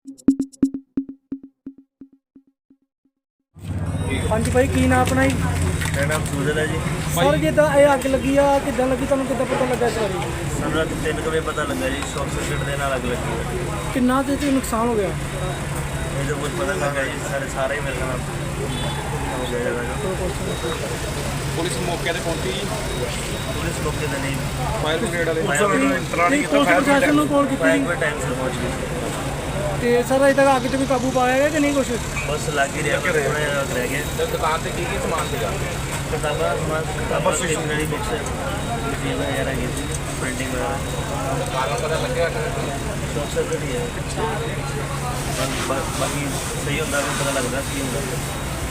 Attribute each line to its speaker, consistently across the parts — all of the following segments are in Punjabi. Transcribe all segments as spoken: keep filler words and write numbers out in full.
Speaker 1: हाँ जी भाई, की नाम अपना जी?
Speaker 2: मेरा नाम सूरज है जी।
Speaker 1: सर जिदा ये अग लगी आ किदा लगी, तुहानू किदा पता लगा इस बारे?
Speaker 2: ਸਾਨੂੰ ਰਾਤ ਤਿੰਨ ਕੁ ਵਜੇ ਪਤਾ ਲੱਗਾ ਜੀ, ਸ਼ੌਕ ਸਰਕਟ ਦੇ ਨਾਲ ਅੱਗ ਲੱਗੀ ਹੈ।
Speaker 1: किन्ना ते ते नुकसान हो गया?
Speaker 2: ਇਹ ਤਾਂ ਕੁਝ ਪਤਾ ਲੱਗਾ ਜੀ, ਸਾਰੇ ਸਾਰੇ ਹੀ ਮੇਰੇ ਨਾਲ ਹੋ ਗਿਆ ਜੀ।
Speaker 3: ਪੁਲਿਸ ਮੌਕੇ ਤੇ ਪਹੁੰਚੀ ਜੀ।
Speaker 2: ਪੁਲਿਸ ਮੌਕੇ ਤੇ ਨਹੀਂ,
Speaker 3: ਫਾਇਰ ਬ੍ਰਿਗੇਡ ਵਾਲੇ
Speaker 2: ਫਾਇਰ ਬ੍ਰਿਗੇਡ
Speaker 1: पुलिस प्रशासन नूं कॉल
Speaker 2: ਫਾਇਰ
Speaker 1: कीती
Speaker 2: ਬ੍ਰਿਗੇਡ ਟਾਈਮ ਸਿਰ ਪਹੁੰਚ ਗਈ।
Speaker 1: ते सर अजे तक अग ते भी काबू पाया गया कि नहीं कुछ?
Speaker 2: ਬਸ ਲੱਗ ਹੀ ਰਿਹਾ, ਬਸ ਥੋੜ੍ਹਾ ਜਿਹਾ ਰਹਿ ਗਿਆ।
Speaker 3: ਤੇ ਦੁਕਾਨ ਤੇ ਕੀ ਕੀ ਸਮਾਨ ਸੀਗਾ?
Speaker 2: ਕਿਤਾਬਾਂ ਸਮਾਨ ਕਿਤਾਬਾਂ ਸਟੇਸ਼ਨਰੀ ਬੁੱਕਸ ਮਸ਼ੀਨ ਵਗੈਰਾ ਹੈਗੀ ਸੀ, ਪ੍ਰਿੰਟਿੰਗ ਵਗੈਰਾ।
Speaker 3: ਕਾਰਨ ਪਤਾ ਲੱਗਿਆ?
Speaker 2: ਸ਼ੌਕ ਸਰਕਟ ਹੀ ਹੈ। ਬਾ- ਬਾਕੀ ਸਹੀ ਹੁੰਦਾ ਵੀ ਪਤਾ ਲੱਗਦਾ ਕੀ ਹੁੰਦਾ।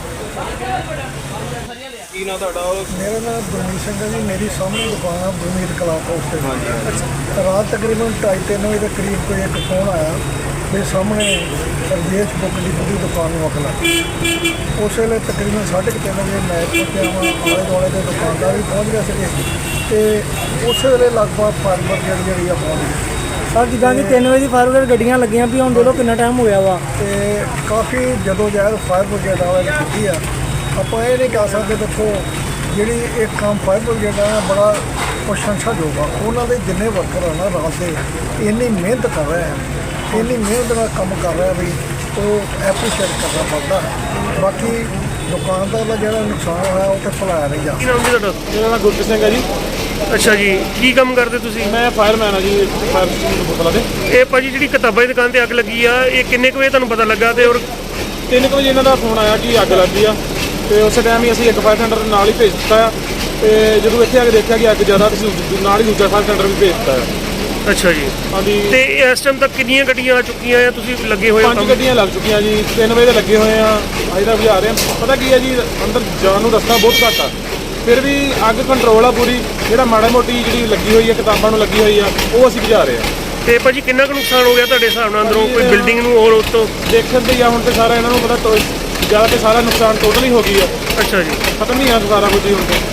Speaker 3: ਕੀ ਨਾ ਤੁਹਾਡਾ?
Speaker 4: ਮੇਰਾ ਨਾਮ ਗੁਰਮੀਤ ਸਿੰਘ ਹੈ ਜੀ। ਮੇਰੀ ਸਾਹਮਣੇ ਦੁਕਾਨ ਆ ਗੁਰਮੀਤ ਕਲਾਕ ਹਾਊਸ ਤੇ। ਹਾਂਜੀ। ਰਾਤ ਤਕਰੀਬਨ ਢਾਈ ਤਿੰਨ ਵਜੇ ਦੇ ਕਰੀਬ ਕੋਈ ਇੱਕ ਫੋਨ ਆਇਆ, ਮੇਰੇ ਸਾਹਮਣੇ ਸਰਦੇਸ਼ ਬੁੱਕ ਡਿਪੋ ਦੀ ਦੁਕਾਨ ਨੂੰ ਅੱਗ ਲੱਗ ਗਈ। ਉਸ ਵੇਲੇ ਤਕਰੀਬਨ ਸਾਢੇ ਕੁ ਤਿੰਨ ਵਜੇ ਮੈਂ ਪਹੁੰਚਿਆ ਵਾਂ, ਆਲੇ ਦੁਆਲੇ ਦੇ ਦੁਕਾਨਦਾਰ ਵੀ ਪਹੁੰਚ ਗਏ ਸੀਗੇ ਅਤੇ ਉਸ ਵੇਲੇ ਲਗਭਗ ਫਾਇਰ ਬ੍ਰਿਗੇਡ ਜਿਹੜੀ ਆ ਪਹੁੰਚ ਗਈ।
Speaker 1: सर जिदा कि तीन बजे फायर ब्रिगेड गड्डियां लगियां भी, हुण देखो कितना टाइम हो गया वा।
Speaker 4: ਅਤੇ ਕਾਫੀ ਜਦੋਂ ਜਹਿਰ ਫਾਇਰ ਬ੍ਰਿਗੇਡ ਵਾਲੇ ਨੇ ਕੀਤੀ ਆ। ਆਪਾਂ ਇਹ ਨਹੀਂ ਕਹਿ ਸਕਦੇ, ਦੇਖੋ ਜਿਹੜੀ ਇਹ ਕੰਮ ਫਾਇਰ ਬ੍ਰਿਗੇਡ ਆ ਬੜਾ ਪ੍ਰਸ਼ੰਸਾਯੋਗ ਆ। ਉਹਨਾਂ ਦੇ ਜਿੰਨੇ ਵਰਕਰ ਆ ਨਾ ਰਾਤ ਦੇ ਇੰਨੀ ਮਿਹਨਤ ਕਰ ਰਹੇ ਆ, ਇੰਨੀ ਮਿਹਨਤ ਨਾਲ ਕੰਮ ਕਰ ਰਿਹਾ ਵੀ ਉਹ ਐਪਰੀਸ਼ੀਏਟ ਕਰਨਾ ਪੜਦਾ। ਬਾਕੀ ਦੁਕਾਨਦਾਰ ਦਾ ਜਿਹੜਾ ਨੁਕਸਾਨ ਹੋਇਆ ਉਹ ਤੇ ਭੁਲਾਇਆ ਨਹੀਂ ਜਾ।
Speaker 5: ਕੀ ਨਾਮ ਜੀ ਤੁਹਾਡਾ?
Speaker 3: ਮੇਰਾ ਨਾਮ ਗੁਰਪ੍ਰੀਤ ਸਿੰਘ ਹੈ ਜੀ।
Speaker 5: ਅੱਛਾ ਜੀ, ਕੀ ਕੰਮ ਕਰਦੇ ਤੁਸੀਂ?
Speaker 3: ਮੈਂ ਫਾਇਰਮੈਨ ਆ ਜੀ, ਫਾਇਰ ਬੁੱਕਲਾ ਦੇ।
Speaker 5: ਇਹ ਭਾਜੀ ਜਿਹੜੀ ਕਿਤਾਬਾਂ ਦੀ ਦੁਕਾਨ ਤੇ ਅੱਗ ਲੱਗੀ ਆ, ਇਹ ਕਿੰਨੇ ਕੁ ਵਜੇ ਤੁਹਾਨੂੰ ਪਤਾ ਲੱਗਾ? ਤੇ ਔਰ
Speaker 3: ਤਿੰਨ ਕੁ ਵਜੇ ਇਹਨਾਂ ਦਾ ਫੋਨ ਆਇਆ ਕਿ ਅੱਗ ਲੱਗੀ ਆ, ਤੇ ਉਸੇ ਟਾਈਮ ਹੀ ਅਸੀਂ ਇੱਕ ਫਾਇਰ ਟੈਂਡਰ ਨਾਲ ਹੀ ਭੇਜ ਦਿੱਤਾ ਆ। ਤੇ ਜਦੋਂ ਇੱਥੇ ਆ ਕੇ ਦੇਖਿਆ ਕਿ ਅੱਗ ਜ਼ਿਆਦਾ, ਤੇ ਅਸੀਂ ਨਾਲ ਹੀ ਦੂਜਾ ਫਾਇਰ ਟੈਂਡਰ ਵੀ ਭੇਜ ਦਿੱਤਾ ਆ।
Speaker 5: ਅੱਛਾ ਜੀ,
Speaker 3: ਹਾਂਜੀ।
Speaker 5: ਤੇ ਇਸ ਟਾਈਮ ਤੱਕ ਕਿੰਨੀਆਂ ਗੱਡੀਆਂ ਆ ਚੁੱਕੀਆਂ ਆ? ਤੁਸੀਂ ਲੱਗੇ ਹੋਏ ਹੋ
Speaker 3: ਪੰਜ
Speaker 5: ਕੰਮ?
Speaker 3: ਗੱਡੀਆਂ ਲੱਗ ਚੁੱਕੀਆਂ ਜੀ, ਤਿੰਨ ਵਜੇ ਦੇ ਲੱਗੇ ਹੋਏ ਆ, ਅਜੇ ਤੱਕ ਬੁਝਾ ਰਹੇ ਆ। ਪਤਾ ਕੀ ਹੈ ਜੀ, ਅੰਦਰ ਜਾਣ ਨੂੰ ਰਸਤਾ ਬਹੁਤ ਘੱਟ ਆ, ਫਿਰ ਵੀ ਅੱਗ ਕੰਟਰੋਲ ਆ ਪੂਰੀ। ਜਿਹੜਾ ਮਾੜਾ ਮੋਟੀ ਜਿਹੜੀ ਲੱਗੀ ਹੋਈ ਆ, ਕਿਤਾਬਾਂ ਨੂੰ ਲੱਗੀ ਹੋਈ ਆ, ਉਹ ਅਸੀਂ ਬੁਝਾ ਰਹੇ ਆ।
Speaker 5: ਤੇ ਭਾਜੀ ਕਿੰਨਾ ਕੁ ਨੁਕਸਾਨ ਹੋ ਗਿਆ ਤੁਹਾਡੇ ਹਿਸਾਬ ਨਾਲ ਅੰਦਰੋਂ? ਕੋਈ ਬਿਲਡਿੰਗ ਨੂੰ ਹੋਰ ਉਸ ਤੋਂ?
Speaker 3: ਦੇਖਣ ਤੇ ਆ ਹੁਣ ਤੇ ਸਾਰਾ ਇਹਨਾਂ ਨੂੰ ਪਤਾ, ਜ਼ਿਆਦਾ ਤੇ ਸਾਰਾ ਨੁਕਸਾਨ ਟੋਟਲ ਹੀ ਹੋ ਗਈ ਆ,
Speaker 5: ਅੱਛਾ ਜੀ,
Speaker 3: ਖਤਮ ਹੀ ਆ ਸਾਰਾ ਕੁਝ ਹੀ ਹੁਣ ਤੇ।